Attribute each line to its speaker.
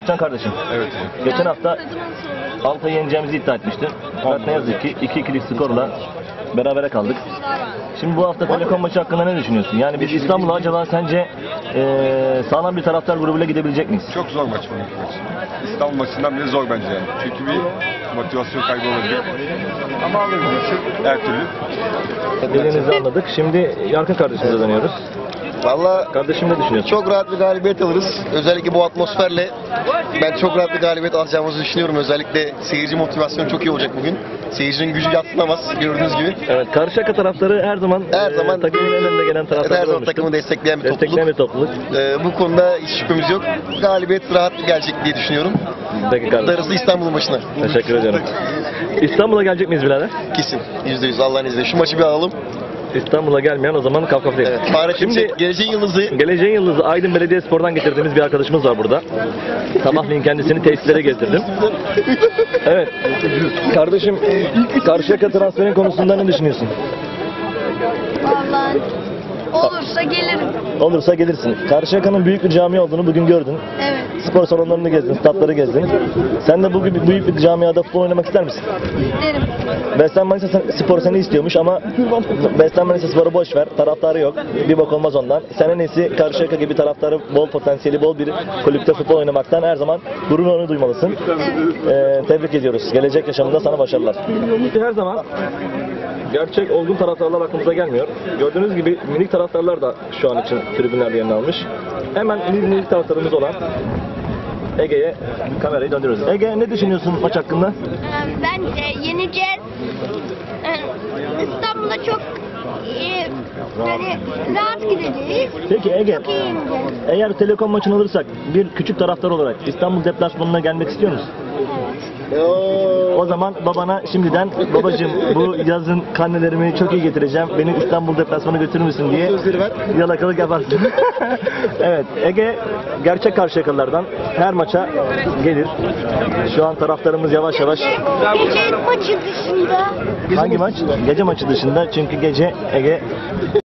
Speaker 1: Can kardeşim.
Speaker 2: Evet.
Speaker 1: Geçen hafta Altay'ı yeneceğimizi iddia etmiştin. Fakat ne yazık ki 2-2'lik skorla berabere kaldık. Şimdi bu hafta Telekom maçı hakkında ne düşünüyorsun? Yani biz İstanbul'a acaba sence sağlam bir taraftar grubuyla gidebilecek miyiz?
Speaker 2: Çok zor maç bugünkü maç. İstanbul maçından bile zor bence yani. Çünkü bir motivasyon kaybı olabilir. Ama alırız her türlü.
Speaker 1: Dediğinizi anladık. Şimdi Yarkın kardeşimize dönüyoruz.
Speaker 3: Valla
Speaker 1: Kardeşim ne düşünüyorsun?
Speaker 3: çok rahat bir galibiyet alırız. Özellikle bu atmosferle ben çok rahat bir galibiyet alacağımızı düşünüyorum. Özellikle seyirci motivasyonu çok iyi olacak bugün. Seyircinin gücü yadsınamaz gördüğünüz gibi.
Speaker 1: Evet, Karşıyaka taraftarı her zaman takımın en önünde gelen taraftar
Speaker 3: her zaman
Speaker 1: olmuştur.
Speaker 3: takımı destekleyen bir
Speaker 1: Destekleyen bir topluluk.
Speaker 3: Bu konuda hiç şüphemiz yok. Galibiyet rahat gelecek diye düşünüyorum.
Speaker 1: Peki kardeşim.
Speaker 3: Darısı İstanbul maçına.
Speaker 1: Teşekkür ediyorum. İstanbul'a gelecek miyiz birader?
Speaker 3: Kesin. %100 Allah'ın izniyle. Şu maçı bir alalım.
Speaker 1: İstanbul'a gelmeyen o zaman Kafkaf'ta değil.
Speaker 3: Evet. Fahrettin Çelik, geleceğin yıldızı.
Speaker 1: Geleceğin Yıldızı Aydın Belediyespor'dan getirdiğimiz bir arkadaşımız var burada. Sabahleyin kendisini tesislere gezdirdim. Evet. Kardeşim, Karşıyaka transferin konusunda ne düşünüyorsun?
Speaker 4: Vallahi olursa gelirim.
Speaker 1: Olursa gelirsin. Karşıyaka'nın büyük bir cami olduğunu bugün gördün.
Speaker 4: Evet.
Speaker 1: Spor salonlarını gezdin, statları gezdin. Sen de bugün büyük bir camiada futbol oynamak ister misin?
Speaker 4: İsterim.
Speaker 1: Beslen Manisa Spor seni istiyormuş ama Beslen Manisa Spor'u boş ver. Taraftarı yok. Bir bok olmaz ondan. Sen en iyisi Karşıyaka gibi taraftarı bol potansiyeli bol bir kulüpte futbol oynamaktan her zaman gururunu duymalısın. Tebrik ediyoruz. Gelecek yaşamında sana başarılar. Her zaman gerçek olgun taraftarlar aklımıza gelmiyor. Gördüğünüz gibi minik taraftarlar da şu an için tribünlerde yerini almış. Hemen minik taraftarımız olan Ege'ye kamerayı döndürüyoruz. Ege, ne düşünüyorsun maç hakkında?
Speaker 4: Bence yeneceğiz. İstanbul'a çok yani rahat gideceğiz.
Speaker 1: Peki Ege,
Speaker 4: Çok iyi yeneceğiz.
Speaker 1: eğer Telekom maçını alırsak bir küçük taraftar olarak İstanbul deplasmanına gelmek istiyor musun? O zaman babana şimdiden babacığım bu yazın karnelerimi çok iyi getireceğim. Beni İstanbul deplasmanına götürür müsün diye yalakalık yaparsın. Evet, Ege gerçek Karşıyakalılardan her maça gelir. Şu an taraftarımız yavaş yavaş.
Speaker 4: Gece maçı dışında.
Speaker 1: Hangi maç? Gece maçı dışında, çünkü gece Ege